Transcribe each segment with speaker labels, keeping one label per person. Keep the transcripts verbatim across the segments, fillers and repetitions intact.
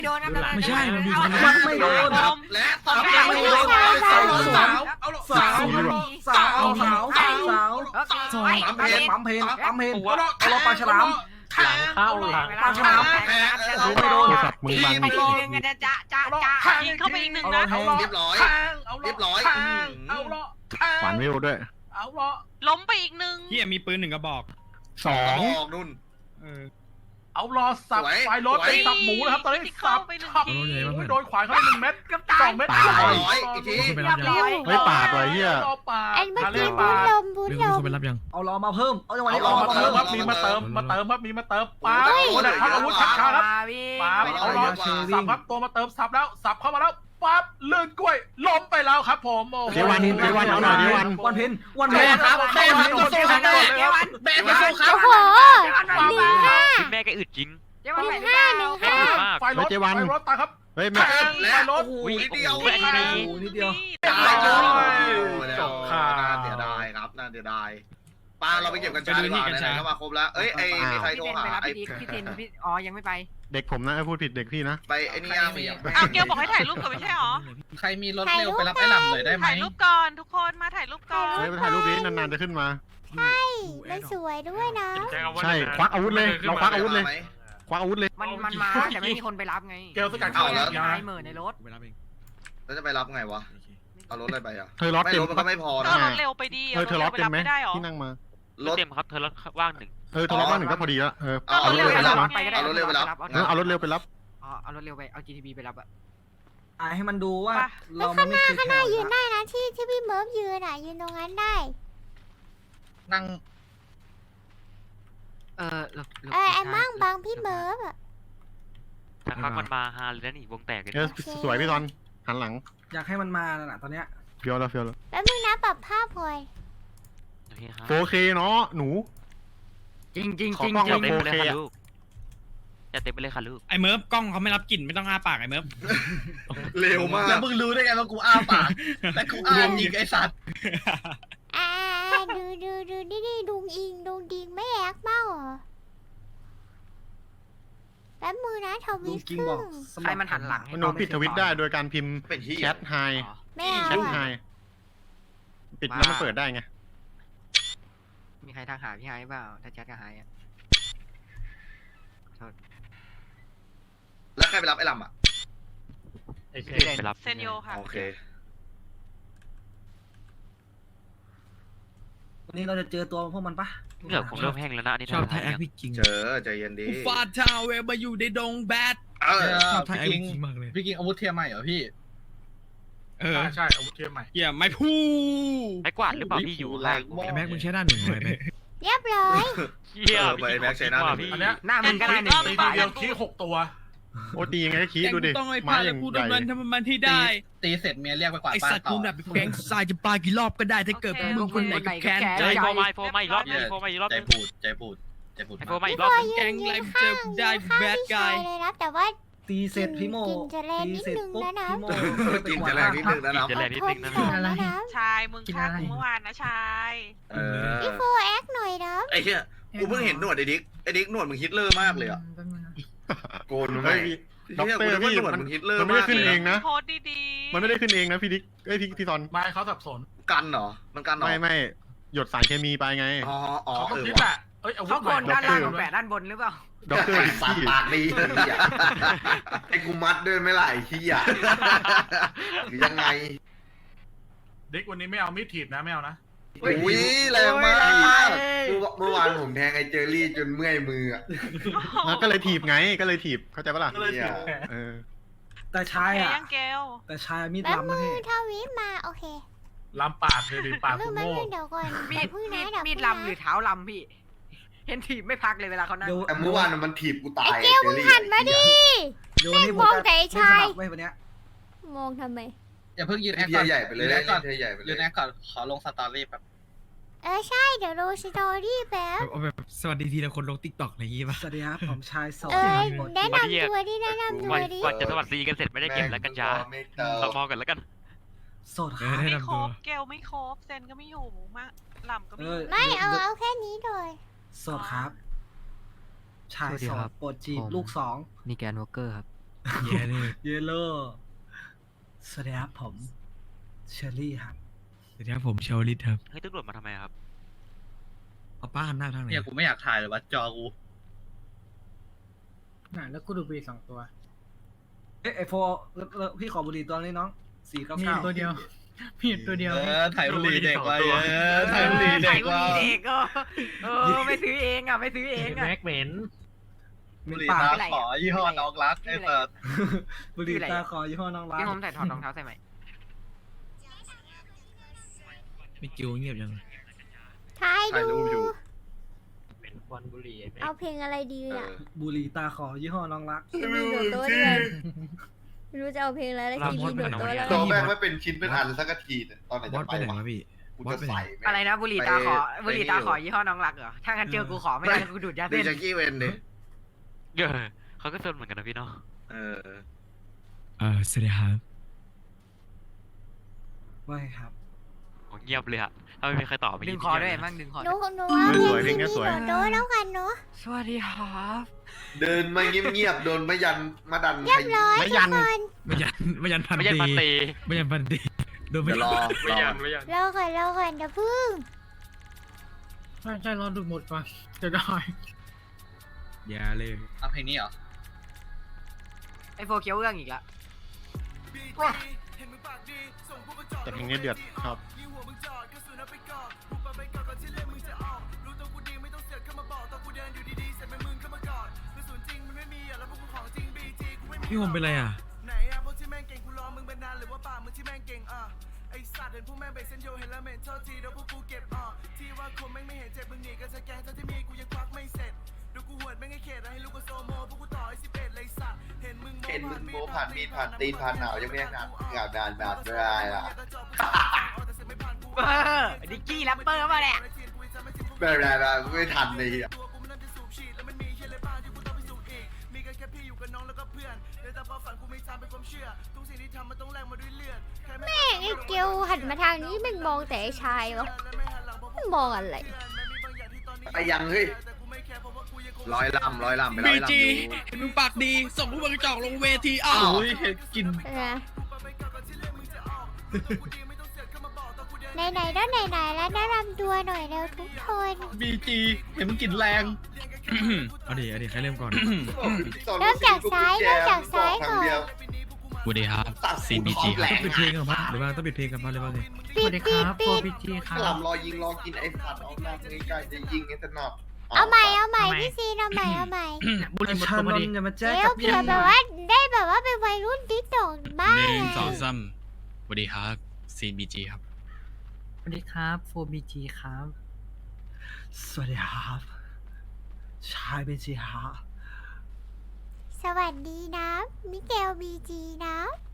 Speaker 1: โดนนะ
Speaker 2: ไม่ใช่มันมี
Speaker 3: มันไม่โดน
Speaker 4: และตอน
Speaker 3: ยังไม่โดนสาวสาว
Speaker 4: เอา
Speaker 3: สาวสาวสาวสาว
Speaker 1: ซอย
Speaker 3: ปั๊มเพนปั๊มเพนปั๊มเพน
Speaker 4: เอา
Speaker 3: เอาเราปลาฉลาม
Speaker 2: หลังเข้าหลัง
Speaker 3: ปลาฉลามไม่โดน
Speaker 1: ตีไปทีนึงจะจะจะจะ
Speaker 5: ยิงเข้าไปอีกหนึ่งนะ
Speaker 4: เรียบร้อยเรียบร้อย
Speaker 3: เอาละ
Speaker 2: หวานวิวด้วย
Speaker 3: เอาละ
Speaker 5: ล้มไปอีกหนึ่ง
Speaker 6: พี่มีปืนหนึ่งกระบอก
Speaker 2: สอง
Speaker 4: บอกนุ่น
Speaker 6: เออ
Speaker 3: เอารอสับไฟรถไปสับหมูนะครับตอนนี้สับสับโดนขวานเขาได้หนึ่งเม็ดสองเม็ด
Speaker 4: ร้อยอีกที
Speaker 2: ไปรับยังไม่ปาดไว้เฮีย
Speaker 3: รอปาด
Speaker 7: อันเมื่อกี้บุญลมบุญ
Speaker 2: มี
Speaker 7: ล
Speaker 2: ค
Speaker 7: ม
Speaker 2: นไปรับยัง
Speaker 3: เอารอมาเพิ่มเอาจังหวะนี้รอมาเพิ่มครับมีมาเติมมาเติมครับมีมาเติมป้าเอาอาวุธชักช้าครับ ป๊าบเอาล้อสับครับตัวมาเติมสับแล้วสับเข้ามาแล้วปั๊บลื่นกล้วยล้มไปแล้วครับผมโอ้
Speaker 2: เดวันเดวันเอาหน่อยเดวัน
Speaker 3: วันเพ็ญวันเพ็ญครับแม่มาตัวสู้ครับแม่มาสู้ครับ
Speaker 7: โอ้โหหนึ่งห้า
Speaker 8: แม่แกอึดจริง
Speaker 7: หนึ่งห้าหนึ่งห้า
Speaker 3: ไฟรถไฟรถตาครับ
Speaker 2: เฮ้ย
Speaker 3: แท
Speaker 2: แม่
Speaker 3: งไฟรถ
Speaker 4: โอ้โหนิดเดียว
Speaker 3: โอ้นิดเดียว
Speaker 4: จบค่ะน่าเสียดายครับน่าเสียดายปาเราไปเก็บกัญชาดีกว่าไหนๆก็มาครบแล้วเอ้ยไอ้มีใครโทรหาไอ้
Speaker 1: พี่เทนพี่อ๋อยังไม่ไป
Speaker 2: เด็กผมนะพูดผิดเด็กพี่นะ
Speaker 4: ไปไอ้นี่ย่ามี
Speaker 5: เอาเกลบอกให้ถ่ายรูปก่อนไม่ใช่หรอ
Speaker 6: ใครมีรถเร็วไปรับไอ้หล่ำหน่อยได้ไหม
Speaker 5: ถ่ายรูปก่อนทุกคนมาถ่ายรูปก่อน
Speaker 2: เฮ้ยไปถ่ายรูปนี้นานๆจะขึ้นมา
Speaker 7: ใช่มันสวยด้วยนะ
Speaker 2: ใช่ควักอาวุธเลยเราควักอาวุธเลยควักอาวุธเลย
Speaker 1: มันมันมาแต่ไม่มีคนไปรับไง
Speaker 3: เกลสกัดเข้าแล้ว
Speaker 1: นายเหม่อในรถ
Speaker 4: แล้วจะไปรับไงวะเอารถอะไรไปอ่ะ
Speaker 2: เธอรถ
Speaker 4: ไม่
Speaker 2: เต็ม
Speaker 4: รถมันก็ไม่พอ
Speaker 5: เอ
Speaker 4: นะ
Speaker 5: อรถเร็วไปดี
Speaker 2: เธอเธอรถเต็มไหม
Speaker 5: ไม่ได้หรอ
Speaker 2: ที่นั่งมาร
Speaker 4: ถ
Speaker 8: เต็มครับเธอรถว่างหนึ่ง
Speaker 2: เออเธอรถว่างหนึ่งก็พอดีแล้วเออ
Speaker 4: เอา
Speaker 2: เอา
Speaker 4: ร
Speaker 2: ร
Speaker 4: ถ
Speaker 2: ถ
Speaker 4: เร็
Speaker 2: เร็
Speaker 4: ว
Speaker 2: ว
Speaker 4: ไป
Speaker 2: ไป
Speaker 4: รั
Speaker 2: รั
Speaker 4: บบ เอารถเร็วไปรับ
Speaker 2: เอาเอารถเร็วไปรับ
Speaker 1: อ๋อเอารถเร็วไปเอา จี ที บี ไปรับอะ
Speaker 3: อ่าให้มันดูว่า
Speaker 7: แล้ว
Speaker 3: เรา
Speaker 7: ข้างห
Speaker 3: ไม่
Speaker 7: น้า
Speaker 3: เคย
Speaker 7: ข้างห
Speaker 3: แข่
Speaker 7: น้าง ยืนได้นะที่ที่พี่เมิร์ฟยืนอ่ะยืนตรงนั้นได้
Speaker 6: นั่ง
Speaker 1: เออ
Speaker 7: เออไอ้มั่งบังพี่เมิร์ฟอ่ะ
Speaker 8: ถ้าพักมันมาฮาเลยนะนี่วงแตกเลย
Speaker 2: เออสวยพี่ตอนหันหลัง
Speaker 3: อยากให้มันมาน่ะตอนเนี้ย
Speaker 2: เฟี้ยวแล้วเฟี้ยวแล้ว
Speaker 7: แล้วมึงนะปรับภาพพลอย
Speaker 8: โอเคครับ
Speaker 2: โฟเคเนาะหนู
Speaker 1: จริงจริง
Speaker 2: ขอ
Speaker 1: จริง
Speaker 2: กล้อง
Speaker 1: จริ
Speaker 2: แบบ
Speaker 1: ง
Speaker 2: โฟ
Speaker 8: เต็มไป
Speaker 2: เค
Speaker 8: เลยค่ะ
Speaker 2: อะ
Speaker 8: ลูกจะเต็มไปเลยค่ะลูก
Speaker 6: ไอ้เมิร์ฟกล้องเขาไม่รับกลิ่นไม่ต้องอ้าปากไอ้เมิร์ฟ
Speaker 4: เร็วมาก
Speaker 6: แล้วมึงรู้ได้ไงว่ากูอ้าปากและกูอ้าจริงไอ้สัตว์
Speaker 7: อ่าดูดูดูนี่นี่ดุงอิงดุงดิงไม่แอกเมาเหรอแป๊บมือนะท
Speaker 3: ลุ
Speaker 7: วิ
Speaker 3: ง
Speaker 7: ต
Speaker 3: กิง
Speaker 7: ครึ่
Speaker 3: บอก
Speaker 7: ง
Speaker 1: ใครมันหันหลัง
Speaker 2: หนูปิดทวิตได้โดยการพิมพ์
Speaker 4: เป็นที่
Speaker 2: แชทไฮ
Speaker 7: ไม่เอา
Speaker 2: แชทไฮ
Speaker 7: อ่ะ
Speaker 2: ปิดแล้วมันเปิดได้ไง
Speaker 1: มีใครทักหาพี่ไฮเปล่าถ้าแชทกับไฮอะ
Speaker 4: แล้วใครไปรับไอ้ลำอ่ะ
Speaker 8: ไปรับ
Speaker 5: เซนโยค่ะ
Speaker 4: โอเค
Speaker 3: วันนี้เราจะเจอตัวพวกมันปะ
Speaker 8: เหงื่อผมเริ่มแห้งแล้วนะอันนี่
Speaker 2: ชอบ
Speaker 8: ทำ
Speaker 2: ไทยแอ
Speaker 8: ยั
Speaker 2: ค
Speaker 8: ง
Speaker 2: พี่จริง
Speaker 4: เจอใจเย็นดี
Speaker 6: ฟาดชาวเวลมาอยู่ในดงแบด
Speaker 4: เออ
Speaker 2: ชอบไทยแอคพี่จริงมากเลย
Speaker 6: พี่กิงอาวุธเทียมใหม่เหรอพี่เออ
Speaker 3: ใช่อาวุธเทียมใหม่
Speaker 6: เหี้ยไม่พูด
Speaker 8: ไม้กวาดหรือเปล่าพี่อยู่ข้าง
Speaker 2: ไอ้แม็กมึงใช้ด้านหนึ่งเลยแม็ก
Speaker 7: เรียบร้อย
Speaker 8: เฮีย
Speaker 4: เออไปแม็กซ์ใช้หน้าหนึ่ง
Speaker 8: พี่
Speaker 3: อันเนี้ย
Speaker 1: หน้ามึงก็ได้หนึ่ง
Speaker 3: ตี
Speaker 1: ฝ่า
Speaker 3: ที
Speaker 1: ย
Speaker 3: เดียวขี้หกตัว
Speaker 2: โอ้ตียังไงก็คิดดูดิ
Speaker 6: ต้องให้
Speaker 2: ไม้
Speaker 6: พา
Speaker 2: อ
Speaker 6: แล้
Speaker 2: ย่าว ง
Speaker 6: กู
Speaker 2: ใหญ่
Speaker 6: ดำเนินทำมันที่ได้ ตีเสร็จเมียเรียกไปกวาดบ้านต่อไอสัตว์กูแบบแก๊งทรายจะปากี่รอบก็ได้ถ้าเกิดพวกมึงคนไหนกับแค้นใจ
Speaker 8: ใจโฟมาโฟมาอีกรอบนึงโฟมาอีกรอบ
Speaker 6: ใจ
Speaker 8: นึง
Speaker 6: พูดใจพูดใจพูด
Speaker 8: โฟมาอี
Speaker 7: พี่
Speaker 8: ก
Speaker 7: พ
Speaker 8: รอบ
Speaker 7: ลอ
Speaker 8: นึ
Speaker 7: ย
Speaker 8: ง
Speaker 7: ยืนยืนข้างยืนข้างพี่ชายเลยนะแต่ว่า
Speaker 3: ตีเสร็จพี่โม
Speaker 7: กินจะแรง
Speaker 3: ตี
Speaker 7: นิด
Speaker 3: เสร็จ
Speaker 7: นึง
Speaker 3: ปุ๊บ
Speaker 7: นะนะ
Speaker 3: พี่โม
Speaker 4: กินจะแรงนิดนึงนะน้อง
Speaker 8: จะแรงนิดนึงนะ
Speaker 7: ขอโทษนะนะ
Speaker 5: ชายมึงฆ่ากูเมื่อวานนะชาย
Speaker 4: เออ
Speaker 7: พี่โฟแอคหน่อยนะ
Speaker 4: ไอ้เหี้ยกูเพิ่งเห็นหนวดไอ้ดิ๊กไอ้ดิ๊กหนวดมึงฮิตเลอร์มากเลยอ่ะโกนไหม
Speaker 2: เฮ้ยด็อกเตอร์
Speaker 4: พี่
Speaker 2: พี่
Speaker 4: หนวด
Speaker 2: มัน
Speaker 4: มึงฮิตเลอร์
Speaker 2: มันไม่
Speaker 4: มา
Speaker 2: ได้
Speaker 4: ก
Speaker 2: ขึ้น
Speaker 4: เล
Speaker 2: เอย งนะ
Speaker 5: โพสดีๆ
Speaker 2: มันไม่ได้ขึ้นเองนะพี่ดิ๊กเอ้ยพี่พี่ตอน
Speaker 3: ไม่เขาสับสน
Speaker 4: กันเหรอมันกันเหรอ
Speaker 2: ไม่ไม่หยดสารเคมีไปไง
Speaker 4: อ๋ออ๋อ
Speaker 3: เขา
Speaker 4: เอ
Speaker 3: ต้อง
Speaker 4: อ
Speaker 3: คิด
Speaker 4: ว่ะ
Speaker 3: แหละเอ้ยอาวุ
Speaker 1: เขา
Speaker 3: ธ
Speaker 1: โกนด้านล่างกับแปะด้านบนหรือเปล่า
Speaker 2: ด็อกเตอร์
Speaker 4: ไอ้
Speaker 2: พี่
Speaker 4: สัตว์ปากดีเลยอ่ะไอ้กูมัดด้วยไม่ล่ะไอ้ขี้อ่ะหรือยังไง
Speaker 3: เด็กวันนี้ไม่เอามีดถีบนะไม่เอานะ
Speaker 4: อุ้ยแรงมากเมื่อวานผมแทงไอ้เจอรี่จนเมื่อยมืออ่ะ
Speaker 2: แล้วก็เลยถีบไงก็เลยถีบเข้าใจปะล่ะ
Speaker 3: ก็เลยถีบ
Speaker 2: เออ
Speaker 3: แต่ชาย
Speaker 5: เฮ้ย
Speaker 3: อ่ะ
Speaker 5: ยังเกล
Speaker 3: แต่ชายมีด
Speaker 7: แป๊บ
Speaker 3: ล้ำ
Speaker 7: มื
Speaker 3: นะ
Speaker 7: อ
Speaker 3: พี่
Speaker 7: ทวิตมาโอเค
Speaker 3: ล้ำปากเลยดิปาก
Speaker 7: เรื่
Speaker 3: คุ
Speaker 7: อง
Speaker 3: ณ
Speaker 7: แป๊บ
Speaker 3: โม่
Speaker 7: นึงเดี๋ยวก่อน
Speaker 1: มี
Speaker 7: เดี๋ย
Speaker 1: ด
Speaker 7: วพึ่ง
Speaker 1: มี
Speaker 7: นะ
Speaker 1: ด
Speaker 7: เดี๋ยว
Speaker 1: มีดลำหรือเท้าลำพี่ เห็นถีบไม่พักเลยเวลาเขานั่ง
Speaker 3: เดี๋ยว
Speaker 4: แต่เมื่อวานมันถีบกูตาย
Speaker 7: เกลมึงหันมาดิ
Speaker 3: เดี๋ยววันนี้ผม
Speaker 7: มอง
Speaker 3: จะ
Speaker 7: แต่ไอ้ชาย
Speaker 3: ไม่วันเนี้ย
Speaker 7: มองทำไม
Speaker 6: อย่าเพิ่งยืนแอค
Speaker 4: เที
Speaker 6: ก่อย น
Speaker 4: ใหญ่ไปเลย
Speaker 6: ยืนแอคก่อน
Speaker 4: เทียใหญ่ไปเล
Speaker 6: ยื
Speaker 4: ย
Speaker 6: นแอคก่อนขอลงสตอรี่แบบ
Speaker 7: เออใช่เดี๋ยวดูสตอรี่แป๊บ
Speaker 2: เอาแบบสวัสดีทีละคนลงติ๊กต็อกอะไรอย่างงี้ป่ะ
Speaker 3: สวัสดีครับผมชายสอง
Speaker 7: เออแนะนำตัวดิแนะนำตัว
Speaker 8: วัน
Speaker 7: ดิ
Speaker 8: วันจะสวัสดีกันเสร็จไม่ได้เก็บแล้วกันจ้า
Speaker 4: ไม่เติ
Speaker 8: เรา
Speaker 4: ม
Speaker 8: มองกันแล้วกัน
Speaker 3: โสดครับ
Speaker 5: ไม่ครบเกลไม่ครบเซนก็ไม่อยู่มะลำก็ไม่อยู่
Speaker 7: ไม่เอาเอาแค่นี้เลย
Speaker 3: โสดครับ ชาย
Speaker 9: สวัสดี
Speaker 3: โส
Speaker 9: ครั
Speaker 3: ด
Speaker 9: บ
Speaker 3: โปรดจีบ
Speaker 9: ผม
Speaker 3: ลูกสอง
Speaker 9: มีแกนวอลเกอร์ครับ
Speaker 6: เย้เลย
Speaker 9: เยลโล่สวัสดีครับผมเชอรี่ครับ
Speaker 6: สวัสดีครับผมเชลลิตครับ
Speaker 8: เฮ้ยตำรวจมาทำไมครับ
Speaker 6: เอาป้าหันหน้าทางไหน
Speaker 4: เนี่ยกูไม่อยากถ่ายเลยว่าจอกู
Speaker 9: น่ะแล้วกูดูบุหรี่สองตัว เอ๊ะไอโฟแล้วแล้วพี่ขอบุหรี่ตัวนี้น้องสี่เก้า
Speaker 6: มี
Speaker 9: เก้า
Speaker 6: ตัวเดียวมีตัวเดียว
Speaker 4: เออถ่ายบุหรี่เด็กไว้เออถ่ายบุหรี่เด็กไว้
Speaker 1: เด็กก็เออไม่ซื้อเองอ่ะไม่ซื้อเองอ่ะ
Speaker 2: แม็กเหม็น
Speaker 4: บุหรี่ตาขอยี่ห้อน้องรักไอ้เปิด
Speaker 9: บุหรี่ตาขอยี่ห้อน้องรัก
Speaker 1: พี่ผมใส่ถอดรองเท้าใส่ไหม
Speaker 6: มีจิวเงียบยัง
Speaker 7: ถ่าย
Speaker 4: ถ่าย
Speaker 7: ดู
Speaker 4: รูปอยู่
Speaker 2: เป็นควันบุหรี่ไอ้แม็ก
Speaker 7: เอาเพลงอะไรดีอ่ะ
Speaker 9: บุหรี่ตาขอยี่ห้อน้องรัก
Speaker 7: ทีวีโดดโต๊ะด้วยไม่รู้จะเอาเพลงอะไรแล้วทีวีโดดโต๊ะแล้ว
Speaker 4: ตัวแม่งไม่เป็นชิ้นเป็นอันสักทีเนี่ยตอนไหน
Speaker 6: บอ
Speaker 4: จะ
Speaker 6: ส
Speaker 4: ไป
Speaker 6: ไปไหน
Speaker 4: วะ
Speaker 6: วะพี่
Speaker 4: กูจะใส่แม่ง
Speaker 1: อะไรนะบุหรี่ตาขอ
Speaker 4: ไป
Speaker 1: บุหรี่ตาขอยี่ห้อน้องรักเหรอถ้างั้นเจอกูขอไม่ได้กูดูดยา
Speaker 4: ดี
Speaker 1: เส้น
Speaker 4: จักกี้เวนดิ
Speaker 8: เออเขาก็ซนเหมือนกันนะพี่เนาะ
Speaker 4: เออ
Speaker 6: เออสวัสดีครับ
Speaker 9: ว่าไงครับ
Speaker 8: โอ้เงียบเลยอะถ้าไม่มีใครตอบไม่
Speaker 1: ดึงคอด้วยมั่งดึงคอ
Speaker 7: หนู
Speaker 1: ด้วย
Speaker 7: หนูเอาเพลงทีวีโดดโต๊ะแล้วกันเนาะ
Speaker 1: สวัสดีครับ
Speaker 4: เดินมาเงียบๆโดนมายันมาดัน
Speaker 7: เรียบร้อย
Speaker 2: ไม่
Speaker 7: ทุ
Speaker 2: ยั
Speaker 7: ก
Speaker 2: น
Speaker 7: คน
Speaker 6: ไม่ยันไม่ยันพัน
Speaker 8: ไม่ใช่
Speaker 6: ตี
Speaker 8: ปันตี
Speaker 6: ไม่ยันพันตีโดนไม่
Speaker 4: เดี๋ยวรอ
Speaker 2: ไม่ยันไม่ยัน
Speaker 7: รอก่อนรอก่อนเดี๋ยวพึ่ง
Speaker 9: ใช่ใช่รอดูหมดก่อนจะได้
Speaker 6: อย่าเลย
Speaker 4: เอาเพลงนี้เหรอ
Speaker 1: ไอโฟเคียวเรื่องอีกละ
Speaker 2: แต่เพลงนี้เดือดครับ
Speaker 6: พี่ผมเป็นไรอ่ะ
Speaker 10: ไอสัตว์เห็นพวกแม่งไปเส้นโยเห็นแล้วเหม็นโทษทีเดี๋ยวพวกกูเก็บอ่ะที่ว่าคนแม่งไม่เห็นเจ็บมึงหนีกันสแกนทั้งที่มีกูยังควักไม่เสร็จเดี๋ยวกูหวดแม่งให้เขตให้ลูกก็โซโมพวกกูต่อไอ้สิบเอ็ดเลยสัตว์เห็นมึง
Speaker 4: เห็นมึงโมผ่านมีดผ่านตีนผ่านหนาวยังไม่งานงานนานนานไม่ได้ล่ะ
Speaker 1: เออดิกกี้แรปเปอร์มาแหละ
Speaker 4: ไม่ได้ละไม่ทันเลยอ่ะ
Speaker 7: แม่งไอ้เกียวหันมาทางนี้แม่งมองแต่ไอ้ชายวะมันมองอะไร
Speaker 4: ไปยังเฮ้ยร้อยลำร้อยลำไปร้
Speaker 6: บี
Speaker 4: อยลำ
Speaker 6: จี
Speaker 4: อยู่
Speaker 6: มึงปากดีส่งผู้บริจาคลงเวทีอ้าว
Speaker 4: เห็นกิน
Speaker 7: นะไหนๆก็ไหนๆแล้วแนะนำตัวหน่อยเร็วทุกคน
Speaker 4: บีจีเห็นมันกลิ่นแรง
Speaker 6: เอาดิเอาดิใครเริ่มก่อน
Speaker 7: เริ่มจากซ้ายเริ่มจากซ้ายก่อน
Speaker 6: สวัสดีครับ
Speaker 4: ตัดซีบีจี
Speaker 6: ต้องปิดเพลงก่อนปะหรือว่าต้องปิดเพลงก่อนปะหรือว่าไง
Speaker 7: ปิดปิดปิด
Speaker 4: ลำรอยิงรอกินไอ้ผัดออกมาใกล้ๆจะยิงไอ้ถนัด
Speaker 7: เอาใหม่เอาใหม่พี่ซีนเอาใหม่เอาใหม่
Speaker 9: บุหรี่หมดตัวพอดีอย่ามาแจ้ง
Speaker 7: เร็
Speaker 9: กั
Speaker 7: ว
Speaker 9: บ
Speaker 7: เผื่อแบบว่าได้แบบว่าเป็นวัยรุ่นติ๊กตอกบ้าง
Speaker 6: หนึ่ง
Speaker 7: ไง
Speaker 6: สองสามสวัสดีครับซีนบีจีครับ
Speaker 9: สวัสดีครับโฟบีจีครับ สวัสดีครับชายบีจีครับ
Speaker 7: สวัสดีนะมิเกลบีจีนะ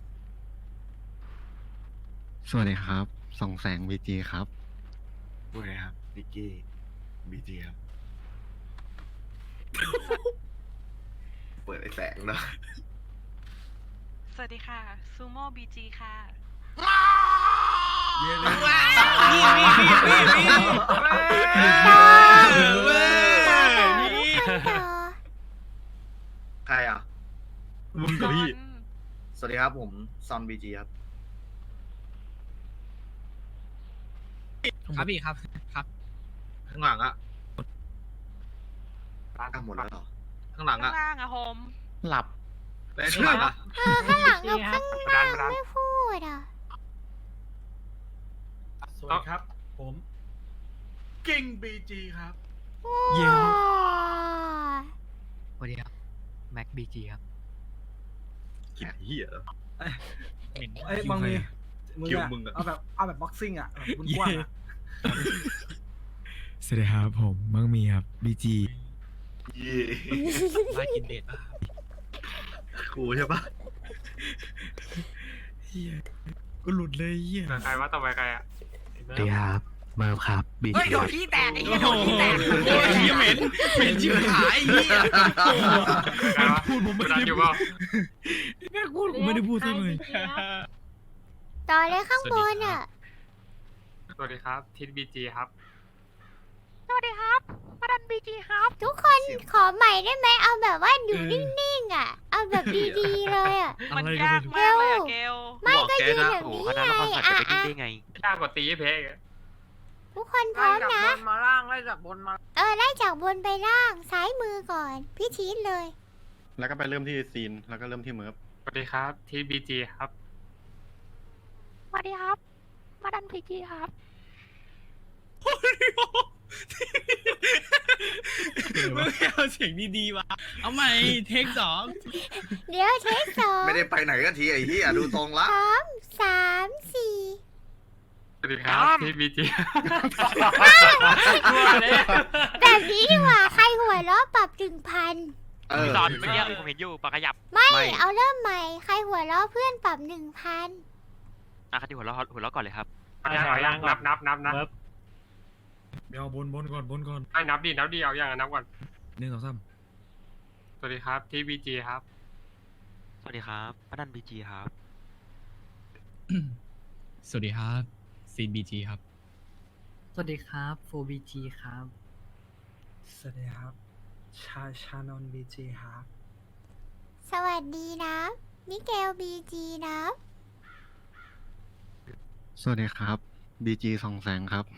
Speaker 2: สวัสดีครับส่องแสงบีจีครับพูดเลยครับดิกกี้บีจีครับ
Speaker 4: เปิดไอ้แสงเนาะ
Speaker 5: สวัสดีค่ะซูโม่บีจีค่ะ
Speaker 6: เย้เลย
Speaker 7: ต่อต่อทุกคนต่อ
Speaker 4: ใครอ่ะ
Speaker 6: มึงกับพี่
Speaker 4: สวัสดีครับผมซอนบีจีครับ
Speaker 6: ครับพี่ครับครับ
Speaker 4: ข้างหลังอ่ะอ่ะหมดแล้วเหรอข้างหลัง
Speaker 5: ข้า
Speaker 4: อ่ะ
Speaker 5: งล่างอะโฮม
Speaker 2: หลับ
Speaker 4: แล้วข้างหลังอ่ะ
Speaker 7: เออข้างหลังกับข้างหน้าไม่พูดอ่ะ
Speaker 3: สวัสดีครับ ผมกิ้งบีจีครับ
Speaker 6: เย้
Speaker 7: ว้า
Speaker 1: สวัสดีครับแม็กบีจีครับ
Speaker 4: กินเหี้ย
Speaker 9: เอ้ยบางมีมึง
Speaker 4: คิว
Speaker 9: อะ
Speaker 4: มึงอะ
Speaker 9: เอาแบบเอาแบบบ็อกซิ่งอะแบบกว้างๆอะ
Speaker 6: สวัสดีครับผมมังมีครับบีจี
Speaker 4: เย่
Speaker 6: มากินเด็ด
Speaker 4: กูใช่ปะ
Speaker 6: เฮียก็หลุดเลยเฮีย
Speaker 2: ใครว่าต่อไปใครอ่ะ
Speaker 6: สวัสดีครับเมิร์ฟครับบี
Speaker 1: เฮ้ย
Speaker 6: จี
Speaker 1: โดนขี้แตกไอ้เหี้ยโดนขี้แตก
Speaker 6: โอ้ยเฮียเหม็นเหม็นชิบหายเฮีย
Speaker 2: ใครวะ
Speaker 6: พูดผมไม่
Speaker 2: ดัน
Speaker 6: ได้
Speaker 2: อยู่
Speaker 6: พู
Speaker 2: เปล่า
Speaker 6: ดแม่พูดผมไม่ได้พูดซะเลย
Speaker 7: ต่อเลยข้างบนอ่ะ
Speaker 2: สวัสดีครับทิศบีจีครับ
Speaker 5: สวัสดีครับมาดันบีจีครับ
Speaker 7: ทุกคนขอใหม่ได้ไหมเอาแบบว่าอยู่นิ่งๆอ่ะ เอาแบบดีๆเลยอ่ะ
Speaker 5: มันยากมากเลยอะเกล
Speaker 7: ไม่ก็ยืนแบบ
Speaker 8: โอ้
Speaker 7: นี้
Speaker 8: คณะ
Speaker 7: ไง
Speaker 8: ละครสัตว์
Speaker 7: อ่ะ
Speaker 8: จะไปดิ้น
Speaker 7: อ่ะ
Speaker 8: ได้ไง
Speaker 3: ยากกว่าตีเพก
Speaker 7: ทุกคนพร้อมนะ
Speaker 1: มาล่างไล่จากบนมา
Speaker 7: เออไล่จากบนไปล่างซ้ายมือก่อน พี่ชีสเลย
Speaker 2: แล้วก็ไปเริ่มที่ซีนแล้วก็เริ่มที่เมิร์ฟ
Speaker 3: สวัสดีครับที่บีจีครับ
Speaker 5: สวัสดีครับ มาดันบีจีครับ
Speaker 6: ไม่เอาเสียงดีๆวะเอาใหม่เทคสอง
Speaker 7: เดี๋ยวเทคสอง
Speaker 4: ไม่ได้ไปไหนกันทีไอ้เหี้ยดูทรงละ
Speaker 7: พร้อมสามสี่
Speaker 3: สวัสดีครับที่บีจี
Speaker 7: แบบนี้ดีกว่าใครหัวเราะปรับถึงพัน
Speaker 4: เออ
Speaker 8: ตอนเมื่อกี้ผมเห็นอยู่ปากขยับ
Speaker 7: ไม่
Speaker 4: ไม่
Speaker 7: เอาเริ่มใหม่ ใครหัวเราะเพื่อนปรับหนึ่งพัน
Speaker 8: อ่ะคันที่หัวเราะหัวเราะก่อนเลยครับ
Speaker 3: นับนับนับนับ
Speaker 9: เดี๋ยวบนบนก่อนบนก่อน
Speaker 3: ให้นับดีนับดีเอาอย่างนับก่อน
Speaker 9: หนึ่งสองสาม
Speaker 3: สวัสดีครับที่บีจีครับ
Speaker 8: สวัสดีครับมาดันบีจีครับ
Speaker 6: สวัสดีครับซีบีจีครับ
Speaker 9: สวัสดีครับโฟบีจีครับ สวัสดีครับ ชาชานนบีจีครับ
Speaker 7: สวัสดีนะ มิเกลบีจีนะ
Speaker 2: สวัสดีครับบีจีสองแสงครับ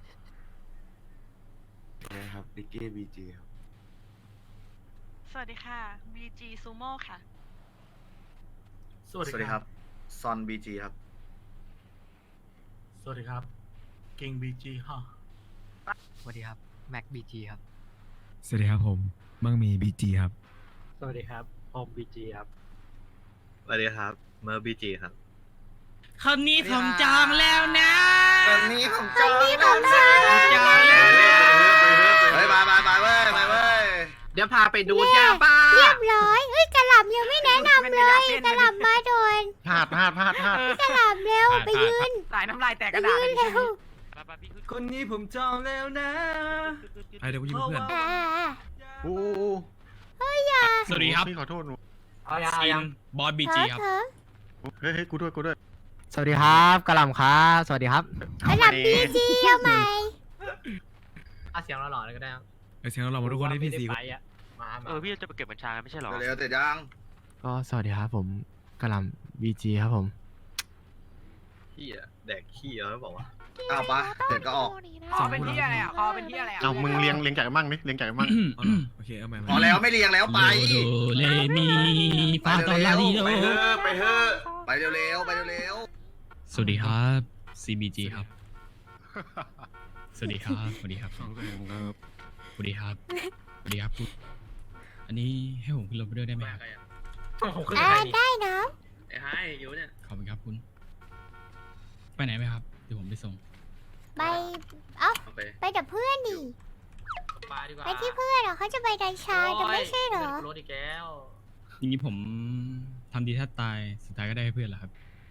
Speaker 4: สวัสดีครับดิกกี้บีจีครับ
Speaker 5: สวัสดีค่ะบีจีซูโม่ค่ะ
Speaker 3: สวัสดีครับ
Speaker 4: ซอนบีจีครับ
Speaker 3: สวัสดีครับเก่งบีจีฮะ
Speaker 1: สวัสดีครับ แม็กบีจีครับ
Speaker 9: สวัสดีครับผมมั่งมีบีจีครับ
Speaker 3: สวัสดีครับโฮมบีจีครับ
Speaker 4: สวัสดีครับเมอร์บีจีครับ
Speaker 6: คนนี้ผมจองแล้วนะ
Speaker 4: วันนี้ผมจ
Speaker 7: ค
Speaker 4: อน ง
Speaker 7: นี้ผมจองแล้ว
Speaker 6: จองแล้ว
Speaker 4: เฮ้ยมามามาเว้ยมาเว้ย
Speaker 1: เดี๋ยวพาไปดูยาบ้า
Speaker 7: เรียบร้อยเฮ้ยกระหล่ำยังไม่แนะนำเลยกระหล่ำมาโดน
Speaker 2: พลาดพลาดพลาดพลาด
Speaker 7: กระหล่ำเร็วไปยืน
Speaker 1: สายน้ำลายแตก
Speaker 7: ไป
Speaker 1: กระดาษ
Speaker 7: ยืนเร็ว
Speaker 9: คนนี้ผมจองแล้วนะไอเดี๋ยวกูยืมเพื่อน
Speaker 7: อ่า
Speaker 2: โอ้
Speaker 6: สวัสดีครับ
Speaker 2: พี่ขอโทษหนู
Speaker 1: เอายัง
Speaker 6: ซี
Speaker 1: เอายั
Speaker 6: น
Speaker 1: ง
Speaker 6: บอสบี
Speaker 7: เถ
Speaker 6: จี
Speaker 7: อะ
Speaker 6: ครับ
Speaker 7: เถอะ
Speaker 2: เฮ้ยเฮ้ยกูด้วยกูด้วย
Speaker 1: สวัสดีครับกระหล่ำครับสวัสดีครับ
Speaker 7: กระหล่ำบีจีเอาใหม่
Speaker 1: อาเสียงเราหล่อเลยก็ได้
Speaker 9: ไอเสียงเรามาทุกคนที่พี่สี
Speaker 1: มา
Speaker 8: เออพี่จะไปเก็บบัญชากันไม่ใช่เหรอ
Speaker 4: เร็วๆเสร็จยัง
Speaker 1: ก็สวัสดีครับผมกระหล่ำบีจีครับผม
Speaker 4: ขี้อะแดกขี้แล้วบอกว่าอ้าวปะเสร็จก็ออก
Speaker 1: คอเป็นที่อะไรอ่ะคอเป็นที่อะไรอ่ะ
Speaker 2: เอามึงเลี้ยงเลี้ยงไก่มั่งดิเลี้ยงไก่มั่ง
Speaker 9: อ๋อเหรอโอเคเอาใหม่
Speaker 4: พอแล้วไม่เรียงแล้วไป
Speaker 6: โดเลมีฟาตอลาดิโด
Speaker 4: ไปเถอะไปเถอะไปเร็วๆไปเร็ว
Speaker 6: สวัสดีครับ ซี บี จี ครับ สวัสดีครับ สวัสดีครับ
Speaker 2: สองแสงครับ
Speaker 6: สวัสดีครับ สวัสดีครับคุณอันนี้ให้ผมขึ้นรถไปด้วยได้ไหมครับ
Speaker 7: อ่าได้นะ
Speaker 4: ๆไอ้ไฮอยู่เนี่ย
Speaker 6: ขอบคุณครับคุณ ไปไหนไหมครับ เดี๋ยวผมไปส่ง
Speaker 7: ไปเอ้า
Speaker 4: เอาไป
Speaker 7: ไปกับเพื่อนดิ ไปที่เพื่อนเหรอเขาจะไปดันชาจะไม่ใช่เหรอ
Speaker 1: รถอีกแล้ว
Speaker 6: จริงๆผมทำดีแทบตาย สุดท้ายก็ได้ให้เพื่อนแหละครับ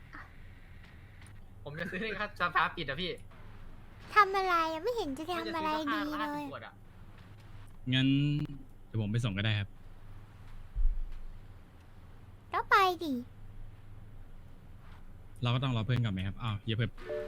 Speaker 1: ผมจะซื้อให้ครับสภาปิดอะพี่
Speaker 7: ทำอะไรอะไม่เห็นจะทำอะไรดีเลย
Speaker 6: งั้นเดี๋ยวผมไปส่งก็ได้ครับ
Speaker 7: แล้วไปดิ
Speaker 6: เราก็ต้องรอเพื่อนกลับไหมครับ อ้าวอย่าเพิ่ง